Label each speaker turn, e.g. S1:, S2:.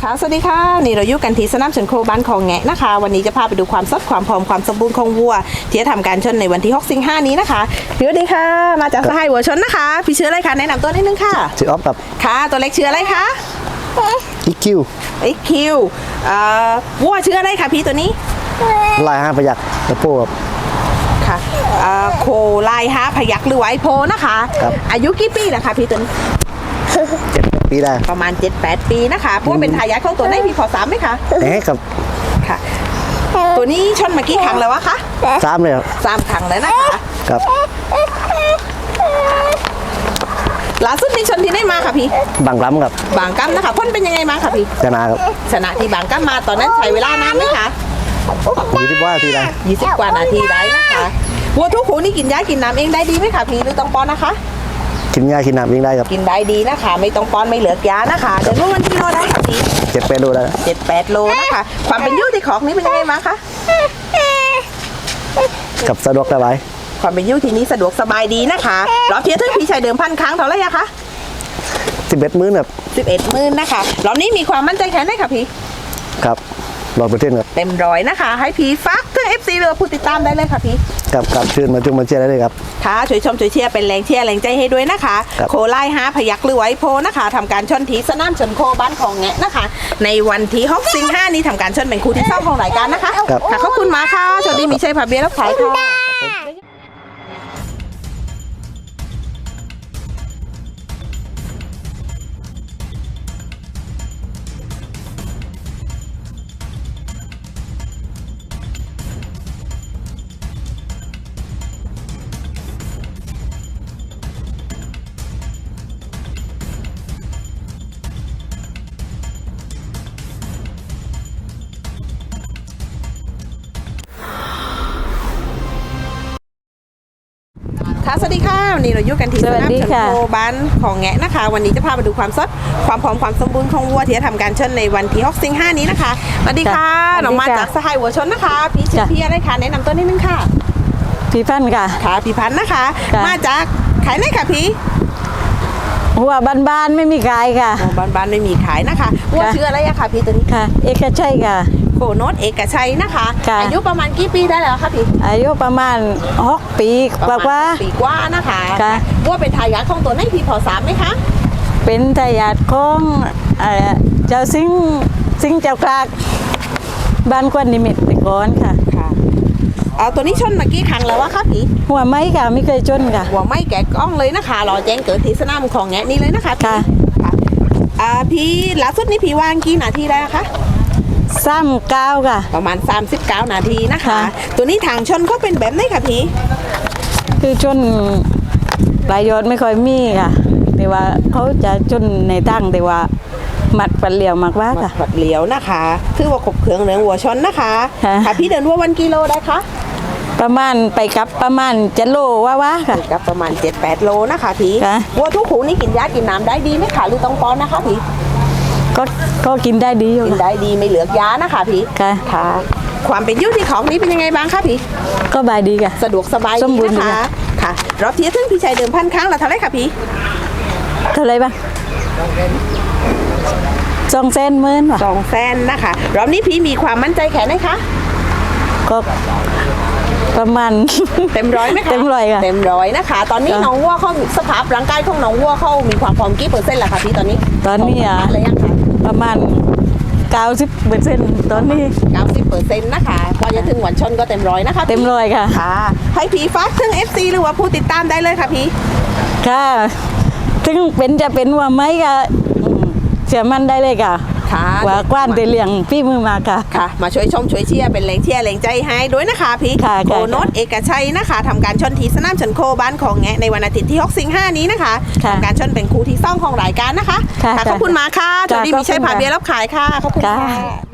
S1: ค่ะสวัสดีค่ะนี่เราอยู่กันที่สนามชนโคบ้านของแงะนะคะวันนี้จะพาไปดูความสดความพร้อมความสมบูรณ์ของวัวที่จะทำการชนในวันที่6 สิงหาคมนี้นะคะสวัสดีค่ะมาจากสหายวัวชนนะคะพี่ชื่ออะไรคะแนะนำตัวนิดนึงค่ะ
S2: ชื่อออฟครับ
S1: ค่ะตัวเล็กชื่ออะไรคะ
S2: อีคิว
S1: วัวชื่ออะไรคะพี่ตัวนี้
S2: ลาย5 พยัคฆ์ตะโพก
S1: ค่ะโคลาย5 พยัคฆ์หรือไวโพนะคะอายุกี่ปีนะคะพี่ตัวนี้
S2: 7 ปีได้
S1: ประมาณ 7-8 ปีนะคะพวกเป็นทายาทของตัวไหนพี่พอ3ไหมคะ
S2: ครับ
S1: ค่ะตัวนี้ชนมากี่ครั้งแล้ววะคะ
S2: 3เลยครับ
S1: 3 ครั้งแล้วนะคะ
S2: ครับ
S1: ล่าสุดนี้ชนที่ได้มาค่ะพี่
S2: บางกล้ำครับ
S1: บางกล้ำนะคะพ้นเป็นยังไงมาค่ะพี่
S2: ชนะครับ
S1: ชนะที่บางกล้ำมาตอนนั้นใช้เวลานานไหมคะ
S2: 20 กว่านาทีได้
S1: 20 กว่านาทีได้นะคะวัวทุกหูนี่กินหญ้ากินน้ำเองได้ดีไหมคะพี่หรือต้องป้อนนะคะ
S2: กินหญ้ากินน้ำวิ่งได้ครับ
S1: กินได้ดีนะคะไม่ต้องป้อนไม่เหลือยานะคะเดินรู้วันที่โลได้ค่ะพี่
S2: 7-8 โลได้
S1: 7-8 โลนะคะความเป็นยู่ที่ของนี้เป็นยังไงมาคะ
S2: กับสะดวกสบาย
S1: ความเป็นยู่ที่นี้สะดวกสบายดีนะคะรอบเทียร์ทึ่งพี่ชายเดิมพันครั้งเท่าไหร่อะคะ
S2: 11 มื้อครับ
S1: 11 มื้อนะคะรอบนี้มีความมั่นใจแค่ไหนคะพี่
S2: ครับ100%ครับ
S1: เต็มร้อยนะคะให้พี่ฟักถึง FC เรือผู้ติดตามได้เลยค่ะพี่
S2: กับชื่นมาจุ่มมาเชียร์ได้เลยครับ
S1: ค่ะช่วยชมช่วยเชียร์เป็นแรงเชียร์แรงใจให้ด้วยนะคะโคไล่5 พยัคฆ์หรือไวโพนะคะทำการชนที่สนามชนโคบ้านของแงะนะคะในวันที่6 สิงหาคมนี้ทำการชนเป็นคู่ที่2ของรายการนะคะค่ะขอบคุณมาค่ะโชคดีมีชัยผ่าเบียร์รับขายค่ะค่ะสวัสดีค่ะวันนี้เราอยู่กันที่สนามชนโคบ้านของแงะนะคะวันนี้จะพาไปดูความสดความพร้อมความสมบูรณ์ของวัวที่จะทำการชนในวันที่6 สิงหาคมนี้นะคะสวัสดีค่ะน้องมาจากสหายวัวชนนะคะพี่ชื่อพี่อะไรคะแนะนำตัวนิดนึงค่ะ
S3: พี่พันธ์ค่ะ
S1: ค่ะพี่พันธ์นะคะมาจากขายไหนค่ะพี่
S3: วัวบ้านๆไม่มีขายค่ะ
S1: บ้านๆไม่มีขายนะคะวัวชื่ออะไรอะคะพี่ตัวนี้
S3: ค่ะเอกชัยค่ะ
S1: โคโนตเอกชัยนะคะอายุประมาณกี่ปีได้แล้วคะพี่
S3: อายุประมาณ6 ปีกว่า
S1: นะคะวัวเป็นทายาทของตัวไหนพี่พอทราบไหมคะ
S3: เป็นทายาทของเจ้าสิงเจ้ากลากบ้านกวนนิมิตติกรค่ะ
S1: เอาตัวนี้ชนมากี่ครั้งแล้ววะคะพี่
S3: หัวไม้ค่ะไม่เคยชนค่ะ
S1: หัวไม้แกะกล้องเลยนะคะรอแจ้งเกิดที่สนามของแงะนี่เลยนะคะ
S3: ค่ะ
S1: พี่ล่าสุดนี่พี่วางกี่นาทีได้คะ
S3: 39ค่ะ
S1: ประมาณ39 นาทีนะคะตัวนี้ทางชนเขาเป็นแบบไหนคะพี่
S3: คือชนปลายยอดไม่ค่อยมีค่ะแต่ว่าเขาจะชนในตั้งแต่ว่าหมัดปัดเหลียวมากว่าค่ะ
S1: ปัดเหลียวนะคะคือว่าขบเครื่องเนื้อวัวชนนะคะค่ะพี่เดินวัววันกิโลได้คะ
S3: ประมาณไปกับประมาณ7 โลว่าค่ะ
S1: ไปกับประมาณ7-8 โลนะคะพี่วัวทุกหูนี่กินหญ้ากินน้ำได้ดีไหมคะหรือต้องป้อนนะคะพี่
S3: ก็กินได้ดีอยู่
S1: กินได้ดีไม่เหลือยานะคะพี่ค่ะความเป็นยู่ที่ของนี้เป็นยังไงบ้างคะพี่
S3: ก็บายดีค่ะ
S1: สะดวกสบายดีนะคะค่ะรอบเทียร์ทึ่งพี่ชายเดิมพันครั้งละเท่าไรคะพี่
S3: เท่าไรบ้าง200,000 มื้นว่ะ
S1: 200,000นะคะรอบนี้พี่มีความมั่นใจแค่ไหนคะ
S3: ก็ประมาณ
S1: เต็มร้อยไหมคะ
S3: เต็มร้อยค่ะ
S1: เต็มร้อยนะคะตอนนี้น้องวัวเขาสภาพร่างกายของน้องวัวเขามีความพร้อมกี่%ล่ะคะพี่ตอนนี้
S3: อะไรยังคะประมาณ90%ตอนนี้
S1: 90%นะคะพอจะถึงวันชนก็เต็มร้อยนะคะ
S3: เต็มร้อยค่ะ
S1: ให้พี่ฟักถึง FC หรือว่าผู้ติดตามได้เลยค่ะพี่
S3: ค่ะถึงจะเป็นว่าไหมค่ะเชื่อมั่นได้เลยค่ะว่ากว้านเลี้ยงพี่มือมา
S1: ค่ะมาช่วยชมช่วยเชียร์เป็นแรงเชียร์แรงใจให้ด้วยนะคะพี่โคโนตเอกชัยนะคะทำการชนที่สนามชนโคบ้านของแงะในวันอาทิตย์ที่6 สิงหาคมนี้นะคะทำการชนเป็นคู่ที่2ของรายการนะคะขอบคุณมาค่ะจอดีมีชัยผ่าเบียร์รับขายค่ะขอบคุณค่ะ